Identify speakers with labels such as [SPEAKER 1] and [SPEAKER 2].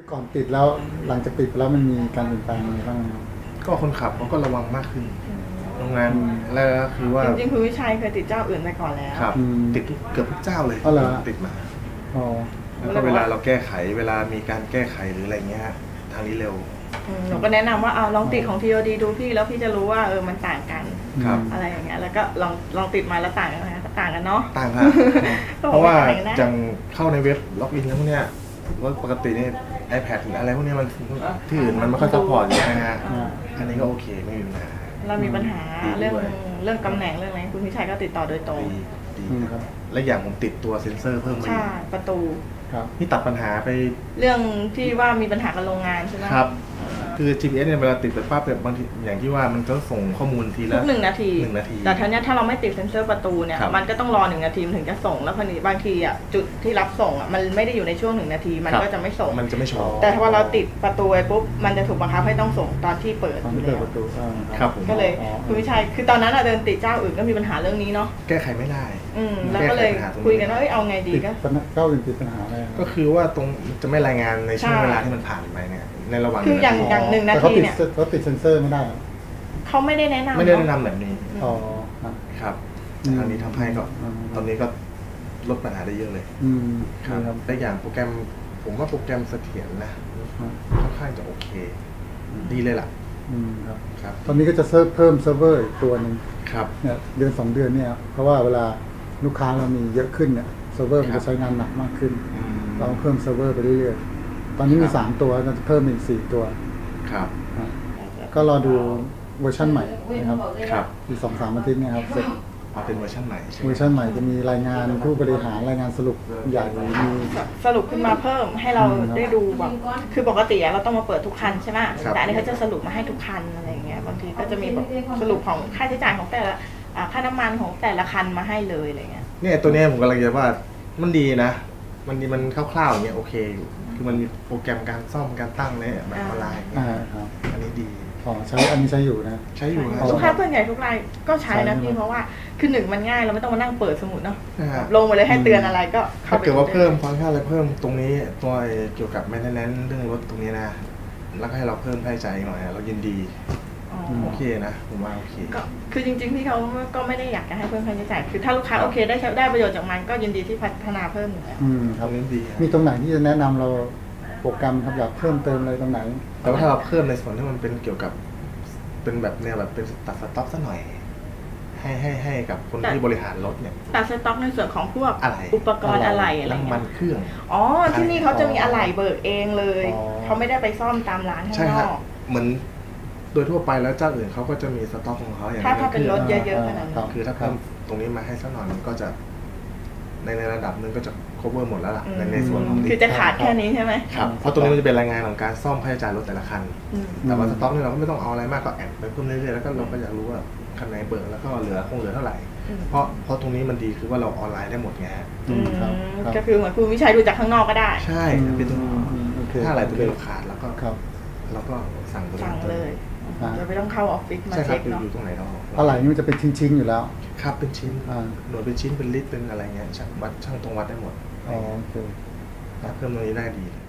[SPEAKER 1] ก่อนติดแล้วหลังจากติดแล้วมันมีการเปลี่ยนแปลงอะไรบ้างครับ
[SPEAKER 2] ก็คนขับเขาก็ระวังมากขึ้นโรงงานแล้วก็คือว่า
[SPEAKER 3] จริงๆคุณวิชัยเคยติดเจ้าอื่นไปก่อนแล้ว
[SPEAKER 2] ครับติดเกือบทุกเจ้าเลยติดมาแล้วก็เวลาเราแก้ไขเวลามีการแก้ไขหรืออะไรเงี้ยทางนี้เร็ว
[SPEAKER 3] หนูก็แนะนำว่าเอาลองติดของ TOD ดูพี่แล้วพี่จะรู้ว่ามันต่างกันอะไรอย่างเงี้ยแล้วก็ลองติดมาแล้วต่างกันไหมต่างกันเนาะ
[SPEAKER 2] ต่างครับเพราะว่าจังเข้าในเว็บล็อกอินแล้วพวกเนี้ยว่าปกติเนี่ย iPad หรืออะไรพวกนี้มันที่อื่นมันไม่ค่อยซัพพอร์ตอยู่นะฮะอันนี้ก็โอเคไม่มีปัญหา
[SPEAKER 3] เรามีปัญหาเรื่องตำแหน่งเรื่องอะไรคุณพิชัยก็ติดต่อโดยตรง
[SPEAKER 2] ดีครับและอย่างผมติดตัวเซ็นเซอร์เพิ่มมา
[SPEAKER 3] ใช่ประตู
[SPEAKER 2] นี่ตัดปัญหาไป
[SPEAKER 3] เรื่องที่ว่ามีปัญหากับโรงงานใช่ไหม
[SPEAKER 2] ครับคือ GPS เนี่ยเวลาติดไปปั๊บเนี่ยบางทีอย่างที่ว่ามันจะส่งข้อมูลทีละ
[SPEAKER 3] 1 นาทีแต่ทีนี้ถ้าเราไม่ติดเซ็นเซอร์ประตูเนี่ยมันก็ต้องรอ1 นาทีถึงจะส่งแล้วพอดีบางทีอ่ะจุดที่รับส่งอ่ะมันไม่ได้อยู่ในช่วง1 นาทีมันก็จะไม่ส่ง
[SPEAKER 2] มันจะไม่โชว์
[SPEAKER 3] แต่ถ้าเราติดประตูไปปุ๊บมันจะถูกบังคับให้ต้องส่งตอนที่เปิดอยู่แล้ว
[SPEAKER 2] ครับ
[SPEAKER 3] ก็เลยคุณวิชัยคือตอนนั้นเดินติดเจ้าอื่นก็มีปัญหาเรื่องนี้เนาะ
[SPEAKER 2] แก้ไขไม่ได้
[SPEAKER 3] แล้วก็เลยคุยกันว่าเอาไงดีก็
[SPEAKER 1] เจ้าอื่นติดปัญหาอะไร
[SPEAKER 2] ก็คือว่าตรงจะไม่รายงานในช่วงเวลาที่มันผ่านไปเนี่ยในระหว่าง
[SPEAKER 3] คืออย่าง1 นาทีเนี่ย
[SPEAKER 1] เขาติดเซ็นเซอร์ไม่ได้
[SPEAKER 3] เขาไม่ได้แนะน
[SPEAKER 2] ำแบบนี้ครับทางนี้ทำให้ก็ตอนนี้ก็ลดปัญหาได้เยอะเลยครับแต่อย่างโปรแกรมผมว่าโปรแกรมเสถียรนะค่อนข้างจะโอเคดีเลยล่ะ
[SPEAKER 1] ครับตอนนี้ก็จะเพิ่มเซิร์ฟเวอร์อีกตัวหนึ่งเนี่ยเดือน2 เดือนเนี่ยเพราะว่าเวลาลูกค้าเรามีเยอะขึ้นเนี่ยเซิร์ฟเวอร์มันจะใช้งานหนักมากขึ้นเราเพิ่มเซิร์ฟเวอร์ไปเรื่อยๆตอนนี้มี3 ตัวจะเพิ่มอีก4 ตัว
[SPEAKER 2] ครับ
[SPEAKER 1] ก็รอดูเวอร์ชันใหม่นะครับอีก2-3 อาทิตย์เนี่ยครับเสร็จ
[SPEAKER 2] เป็นเวอร์ชันใหม่
[SPEAKER 1] เวอร์ชันใหม่จะมีรายงานผู้บริหารรายงานสรุปใหญ่มี
[SPEAKER 3] สรุปขึ้นมาเพิ่มให้เราได้ดูแบบคือปกติเราต้องมาเปิดทุกคันใช่ไหมแต่อันนี้เขาจะสรุปมาให้ทุกคันอะไรอย่างเงี้ยบางทีก็จะมีแบบสรุปของค่าใช้จ่ายของแต่ละค่าน้ำมันของแต่ละคันมาให้เลยอะไรเงี้ย
[SPEAKER 2] เนี่ยตัวนี้ผมกำลังจะว่ามันดีนะมันคร่าวๆอย่างเงี้ยโอเคอยู่คือมันมีโปรแกรมการซ่อมการตั้งเนี่ยแบบออนไลน์อันนี้ดี
[SPEAKER 1] ใช้อันนี้ใช้อยู่นะ
[SPEAKER 2] ใช้อยู่
[SPEAKER 3] ลูกค้าส่วนใหญ่ทุกรายก็ใช้นะพี่เพราะว่าคือ1มันง่ายเราไม่ต้องมานั่งเปิดสมุดเนาะลงมาเลยให้เตือนอะไรก็
[SPEAKER 2] ถ้าเกิดว่าเพิ่มฟังก์ชันอะไรเพิ่มตรงนี้ตัวเกี่ยวกับแมนเทนแนนซ์เรื่องรถตรงนี้นะแล้วก็ให้เราเพิ่มค่าใช้จ่ายหน่อยเรายินดีโอเคนะผมว่าโอเค
[SPEAKER 3] ก็คือจริงๆพี่เขาก็ไม่ได้อยากจะให้เพิ่มค่าใช้จ่ายคือถ้าลูกค้าโอเคได้ประโยชน์จากมันก็ยินดีที่พัฒนาเพิ่มอยู่แล้ว
[SPEAKER 2] ครับดี
[SPEAKER 1] มีตรงไหนที่จะแนะนำเราโปรแกรมครับอยากเพิ่มเติมอะไรตรงไหน
[SPEAKER 2] แต่ว่าถ้าเราเพิ่มในส่วนที่มันเป็นเกี่ยวกับเป็นแบบเนี่ยแบบเป็นตัดสต็อกซะหน่อยให้กับคนที่บริหารรถเนี่ย
[SPEAKER 3] ตัดสต็อกในส่วนของพวกอุปกรณ์อะไร
[SPEAKER 2] น้ำมันเครื่อง
[SPEAKER 3] ที่นี่เขาจะมีอะไหล่เบิกเองเลยเขาไม่ได้ไปซ่อมตามร้านข้างนอก
[SPEAKER 2] เหมือนโดยทั่วไปแล้วเจ้าอื่นเขาก็จะมีสต็อกของเขาอย่าง
[SPEAKER 3] ถ้าเป็นรถเยอะๆขนาดนั้น
[SPEAKER 2] คือถ้าเพิ่มตรงนี้มาให้สักหน่อยมันก็จะในระดับนึงก็จะ cover หมดแล้วล่ะในส่วนของ
[SPEAKER 3] คือจะขาดแค่นี้ใช่ไหม
[SPEAKER 2] ครับเพราะตรงนี้มันจะเป็นรายงานของการซ่อมค่าใช้จ่ายรถแต่ละคันแต่ว่าสต็อกนี่เราก็ไม่ต้องเอาอะไรมากก็แอดไปเพิ่มเรื่อยๆแล้วก็เราก็อยากรู้ว่าคันไหนเบิกแล้วก็เหลือเท่าไหร่เพราะตรงนี้มันดีคือว่าเราออนไลน์ได้หมดไง
[SPEAKER 3] ก็คือเหมือนคุณวิชัยดูจากข้างนอกก็ได้
[SPEAKER 2] ใช่เป็นถ้าอะไรตัวเองขาดแล้วก็เราก็สั่ง
[SPEAKER 3] เลยจะไม่ต้องเข้าออฟฟิศมาเช็คเนาะ
[SPEAKER 2] อยู่ตรงไหนเรา
[SPEAKER 1] อะไรนี่มันจะเป็นชิ้นๆอยู่แล้ว
[SPEAKER 2] ครับเป็นชิ้นหน่วยเป็นชิ้นเป็นลิตรเป็นอะไรเงี้ยช่างวัดช่างตรงวัดได้หมด
[SPEAKER 1] โอเค
[SPEAKER 2] เพิ่มตรงนี้ได้ดี